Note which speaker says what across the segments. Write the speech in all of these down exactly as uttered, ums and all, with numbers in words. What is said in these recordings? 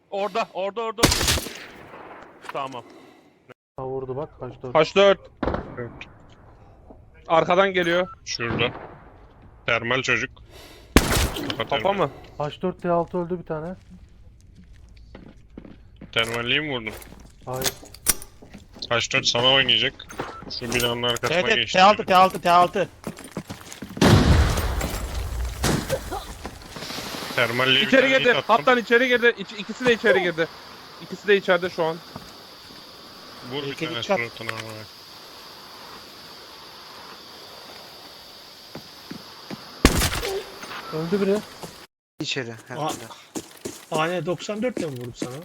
Speaker 1: Orada, orada, orada. Tamam.
Speaker 2: Ha vurdu bak kaç dört.
Speaker 1: Kaç dört.
Speaker 3: Evet.
Speaker 1: Arkadan geliyor.
Speaker 3: Şurada. Termal çocuk. Kafa
Speaker 1: Kafa
Speaker 3: termal.
Speaker 1: mı?
Speaker 2: H dört T altı öldü bir tane.
Speaker 3: Termalliği mi vurdum?
Speaker 2: Hayır.
Speaker 3: H dört sana oynayacak. Şu binanın arkasına
Speaker 4: Evet evet
Speaker 3: geçti.
Speaker 4: T altı T altı T altı.
Speaker 3: Termalliği bir
Speaker 1: İçeri
Speaker 3: tane
Speaker 1: girdi.
Speaker 3: hit attım.
Speaker 1: Hattan içeri girdi. İç, ikisi de içeri girdi. İkisi de içeride şu an.
Speaker 3: Vur bir
Speaker 4: İki
Speaker 3: tane
Speaker 4: çat.
Speaker 3: suratına ama.
Speaker 2: Öldü biri.
Speaker 5: İçeri herhalde.
Speaker 4: A N doksan dört ile mi vurdum sana?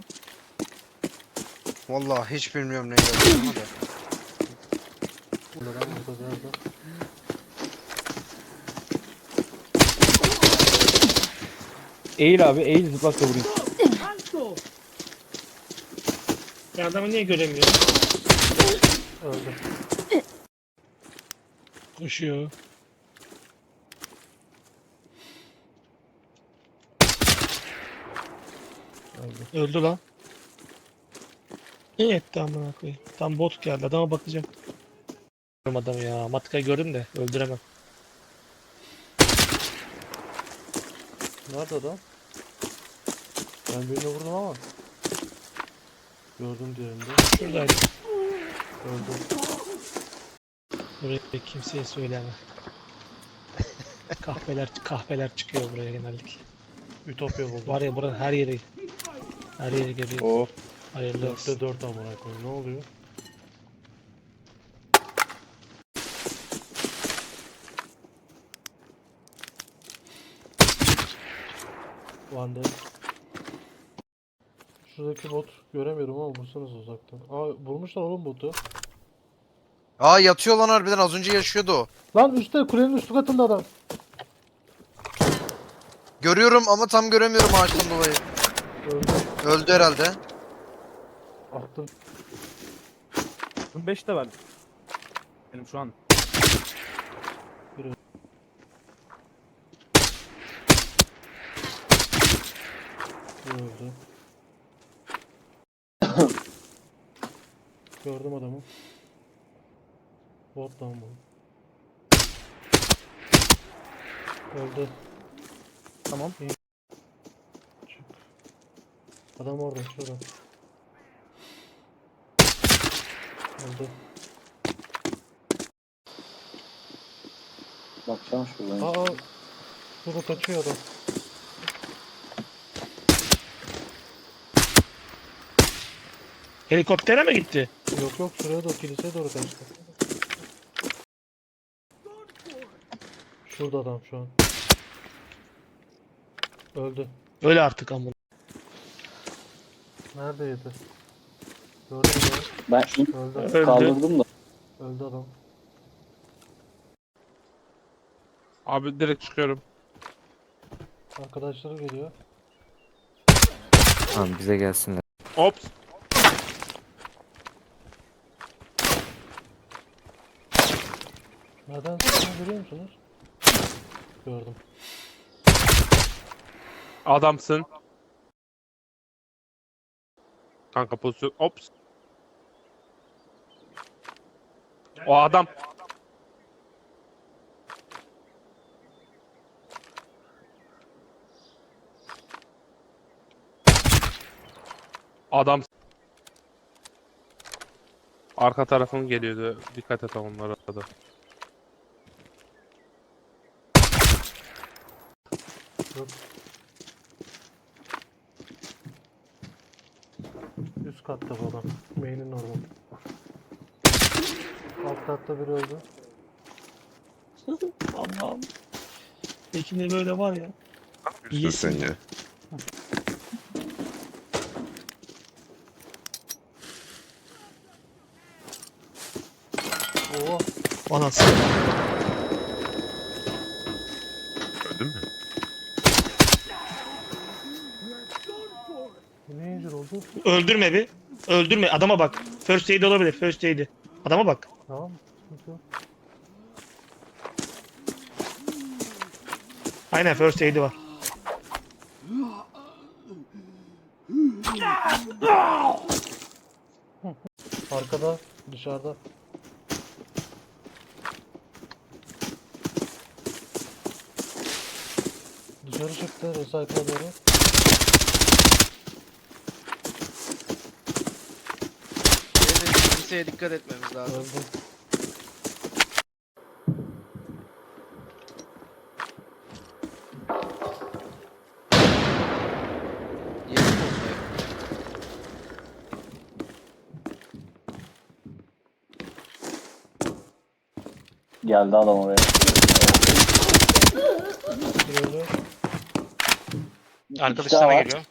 Speaker 5: Vallahi hiç bilmiyorum ne yapacağımı da.
Speaker 2: Burada lan burada nerede?
Speaker 6: Eğil abi, eğil zıplakla vurayım.
Speaker 4: Ya adamı niye göremiyorum?
Speaker 2: Öldü.
Speaker 4: Koşuyor. Öldü. Öldü lan. İyi etti amına koyayım. Tam bot geldi. Adama bakacağım. Gördüm adamı ya. Matka'yı gördüm de öldüremem.
Speaker 2: Nerede adam? Ben birini vurdum ama. Gördüm diğerinde.
Speaker 4: Şuradaydı.
Speaker 2: Öldü.
Speaker 4: Buraya kimseye söyleme. kahveler kahveler çıkıyor buraya genellikle.
Speaker 2: Ütopya buldum.
Speaker 4: Var ya buranın her yeri her yeri görüyor.
Speaker 6: Oh.
Speaker 4: Hayırlı olsun.
Speaker 2: dörtte dört amına koyayım. Ne oluyor? Van Dijk. Şuradaki bot göremiyorum ama vursanız uzaktan. Aa vurmuşlar oğlum botu.
Speaker 5: Aa yatıyor lan harbiden, az önce yaşıyordu o.
Speaker 2: Lan üstte kulenin üstü katında adam.
Speaker 5: Görüyorum ama tam göremiyorum ağaçtan dolayı.
Speaker 2: Öldü.
Speaker 5: Öldü herhalde.
Speaker 2: Attım.
Speaker 6: beş de var. Benim şu an.
Speaker 2: Öldü. Gördüm adamı. Bot lan bu. Öldü.
Speaker 6: Tamam.
Speaker 2: Çık. Adam orada şurada. Öldü.
Speaker 6: Bakacağım şuradan.
Speaker 2: Aa. Şurada kaçıyor adam.
Speaker 4: Helikoptere mi gitti?
Speaker 2: Yok yok şuraya doğru, kiliseye doğru kaçtı. Şurada adam şu an. Öldü.
Speaker 4: Öyle artık amına.
Speaker 2: Neredeydi? Gördüm adamı.
Speaker 6: Ben
Speaker 2: Öldü.
Speaker 4: Öldü.
Speaker 6: kaldırdım da.
Speaker 2: Öldü adam.
Speaker 1: Abi direkt çıkıyorum.
Speaker 2: Arkadaşları geliyor.
Speaker 7: Tamam bize gelsinler.
Speaker 1: Ops.
Speaker 2: Nereden sıktığını görüyor musunuz? Gördüm.
Speaker 1: Adamsın. Kanka pozisyon. Ops. O adam. Adam. Arka tarafın geliyordu. Dikkat et onlara da.
Speaker 2: Yok. Üst katta bu adam. Main'in orada. Alt katta biri öldü.
Speaker 4: Allah'ım. Peki ne böyle var ya. İyisin.
Speaker 3: ya.
Speaker 2: Oo.
Speaker 4: Anasını.
Speaker 3: Öldün mü?
Speaker 2: Ne incir oldu?
Speaker 4: Öldürme bir. Öldürme. Adama bak. First aid olabilir. First aid. Adama bak.
Speaker 2: Tamam mı? Sıkıntı yok.
Speaker 4: Aynen first aid'i var.
Speaker 2: Arkada, dışarıda. Dışarı çıktı, recycle'a doğru.
Speaker 5: Evet, kimseye dikkat etmemiz lazım.
Speaker 2: Öldü.
Speaker 5: Yeni bombayı.
Speaker 6: Geldi adam oraya.
Speaker 2: Bir öldü.
Speaker 3: Arkadaş
Speaker 6: İki daha
Speaker 3: sana
Speaker 6: var.
Speaker 3: geliyor.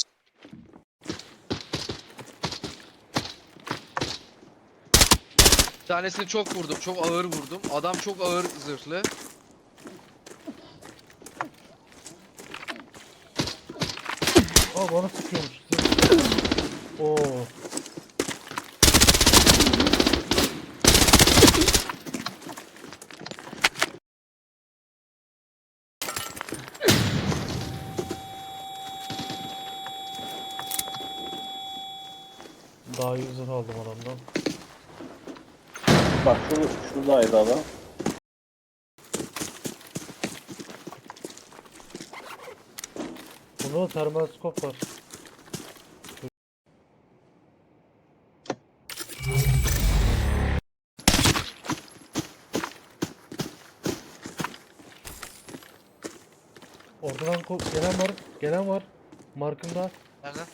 Speaker 5: Bir tanesini çok vurdum, çok ağır vurdum. Adam çok ağır zırhlı.
Speaker 2: Aa bana sıkıyormuş. Oo. Daha iyi zırh aldım adamdan.
Speaker 6: Bak şu, şuradaydı adam.
Speaker 2: Bunda da termal skop var. Oradan ko- gelen var, gelen var. Markında.
Speaker 5: Nereden?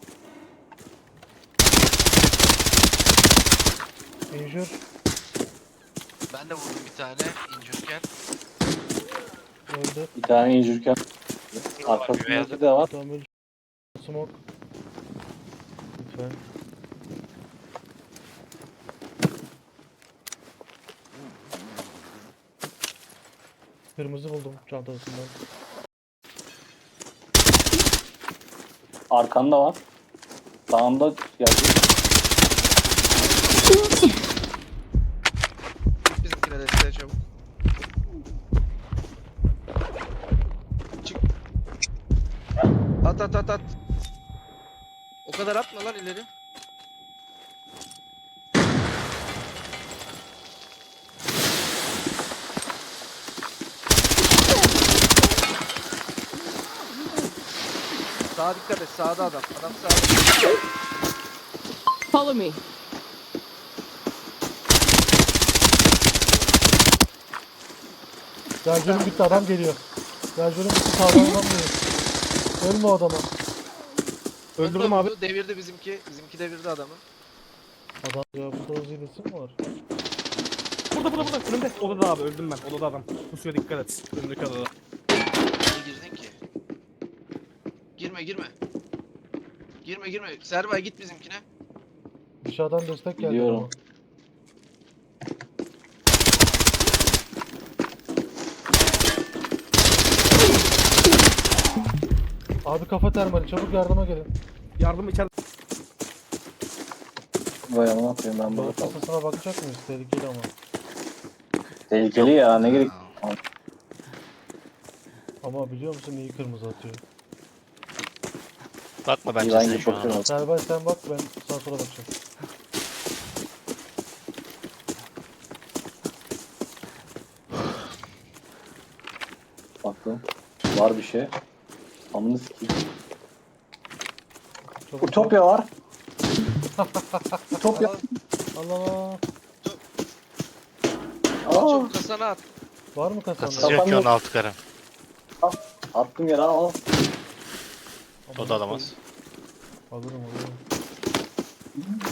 Speaker 2: Injure.
Speaker 5: Ben de vurdum bir tane incirken.
Speaker 2: Öldü.
Speaker 6: Bir tane injürken. Arkasındaki de var.
Speaker 2: Tamam öldü. Smoke. Lütfen. Kırmızı buldum çantasından.
Speaker 6: Arkanda var. Sağında geldi.
Speaker 5: Git bizimkine desteğe çabuk. Çık. At at at at. O kadar atma lan ileri. Sağa dikkat et. Sağda adam. Adam sağda.
Speaker 7: Follow me.
Speaker 2: Garjörüm bitti adam geliyor. Garjörüm bitti sağdan adam geliyor. Ölme o adama.
Speaker 4: Öldürdüm abi.
Speaker 5: Vurdu, devirdi bizimki. Bizimki devirdi adamı.
Speaker 2: Adam ya burada Uzi hilesi mi var?
Speaker 4: Burada burada burada. Önümde. Odada abi öldüm ben. Odada adam. Bu suya dikkat et. Önümdeki odada.
Speaker 5: Niye girdin ki? Girme girme. Girme girme. Serbay git bizimkine.
Speaker 2: Dışarıdan destek geldi.
Speaker 6: Biliyorum.
Speaker 2: adama. Abi kafa termali çabuk yardıma gelin.
Speaker 4: Yardım içeride.
Speaker 6: Vay amına koyayım ben burada
Speaker 2: Balık
Speaker 6: kaldım.
Speaker 2: kasasına bakacak mıyız? Tehlikeli ama.
Speaker 6: Tehlikeli ya ne gerek.
Speaker 2: Ama biliyor musun iyi kırmızı atıyor.
Speaker 3: Bakma bence
Speaker 6: İvan
Speaker 3: sen
Speaker 6: gibi
Speaker 3: şu an.
Speaker 6: bakıyorum.
Speaker 2: Serbay sen bak ben sağa sola bakacağım.
Speaker 6: Baktım. Var bir şey. Amını sikeyim.
Speaker 2: Çabuk
Speaker 6: Utopya var. Utopya.
Speaker 5: Al,
Speaker 2: Allah Allah.
Speaker 5: al
Speaker 6: Aa,
Speaker 5: çabuk kasana at.
Speaker 2: Var mı kasanda?
Speaker 3: Kasası yok ki onun altı karı.
Speaker 6: attım yere al.
Speaker 3: O da alamaz.
Speaker 2: Alırım alırım.